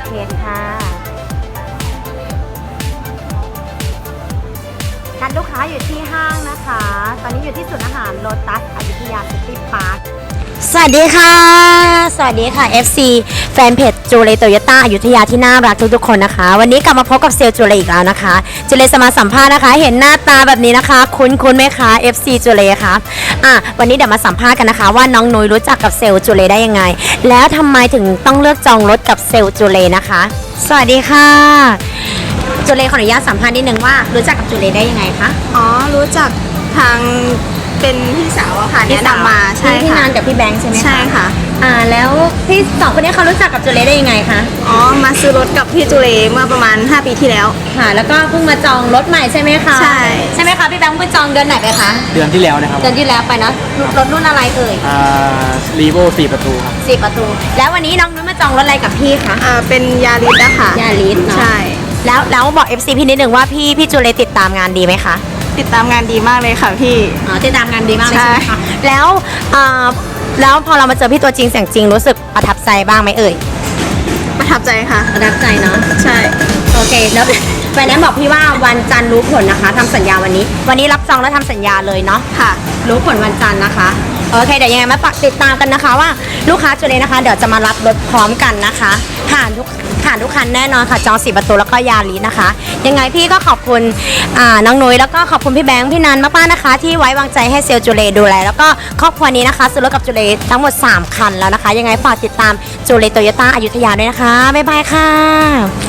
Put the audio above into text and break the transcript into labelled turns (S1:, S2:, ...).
S1: เคค่ะนัดลูกค้าอยู่ที่ห้างนะคะ ตอนนี้อยู่ที่ศูนย์อาหารโลตัสอยุธยาซิตี้พาร์คสวัสดีค่ะ สวัสดีค่ะ FC แฟนเพจจูเลโตโยต้าอยุธยาที่น่ารักทุกๆคนนะคะวันนี้กลับมาพบกับเซลล์จูเลอีกแล้วนะคะจูเลจะมาสัมภาษณ์นะคะเห็นหน้าตาแบบนี้นะคะคุ้นไหมคะ FC จูเลคะวันนี้เดี๋ยวมาสัมภาษณ์กันนะคะว่าน้องนุ้ยรู้จักกับเซลล์จูเลได้ยังไงแล้วทำไมถึงต้องเลือกจองรถกับเซลล์จูเลนะคะสวัสดีค่ะจูเลขออนุญาตสัมภาษณ์นิดนึงว่ารู้จักกับจูเลได้ยังไงคะ
S2: อ๋อรู้จักทางเป็นพี่สาวอะค่ะแนะนำมาใช่ค่ะ
S1: พี่นานกับพี่แบงค์ใช่ไหมคะ
S2: ใช่ค่ะ
S1: แล้วพี่สองคนนี้เขารู้จักกับจูเลได้ยังไงคะ
S2: อ๋อมาซื้อรถกับพี่จูเลเมื่อประมาณ5 ปีที่แล้ว
S1: ค่ะแล้วก็เพิ่งมาจองรถใหม่ใช่ไหมคะใช่ไหมคะพี่แบงค์เพิ่งจองเดือนไหนไปคะ
S3: เดือนที่แล้วนะครับ
S1: เดือนที่แล้วไปนะรถรุ่นอะไรเอ่ย
S3: รีโว4 ประตูครับ
S1: 4 ประตูแล้ววันนี้น้องนุ้ยมาจองรถอะไรกับพี่คะ
S2: เป็นยาริสอะค่ะ
S1: ยาริสเนาะ
S2: ใช่
S1: แล้วบอก FC พี่นิดนึงว่าพี่จูเลติดตามงานดีไหมคะ
S2: ติดตามงานดีมากเลยค่ะพี่
S1: ติดตามงานดีมากเลยใช่ไหมคะแล้วพอเรามาเจอพี่ตัวจริงเสียงจริงรู้สึกประทับใจบ้างไหมเอ่ย
S2: ประทับใจค่ะ
S1: ประทับใจเนาะ
S2: ใช่
S1: โอเคแล้วแฟนแนนบอกพี่ว่าวันจันทร์รู้ผลนะคะทำสัญญาวันนี้รับจองแล้วทำสัญญาเลยเนาะ
S2: ค่ะ
S1: รู้ผลวันจันทร์นะคะโอเคเดี๋ยวยังไงมาติดตามกันนะคะว่าลูกค้าจูเลนะคะเดี๋ยวจะมารับรถพร้อมกันนะคะผ่านทุกคันแน่นอนค่ะจอง4 ประตูแล้วก็ยาริสนะคะยังไงพี่ก็ขอบคุณน้องนุ้ยแล้วก็ขอบคุณพี่แบงค์พี่นันมากๆนะคะที่ไว้วางใจให้เซลล์จูเลดูแลแล้วก็ครอบครัวนี้นะคะซื้อรถกับจูเลทั้งหมด3 คันแล้วนะคะยังไงฝากติดตามจูเลโตโยต้าอยุธยาด้วยนะคะบ๊ายบายค่ะ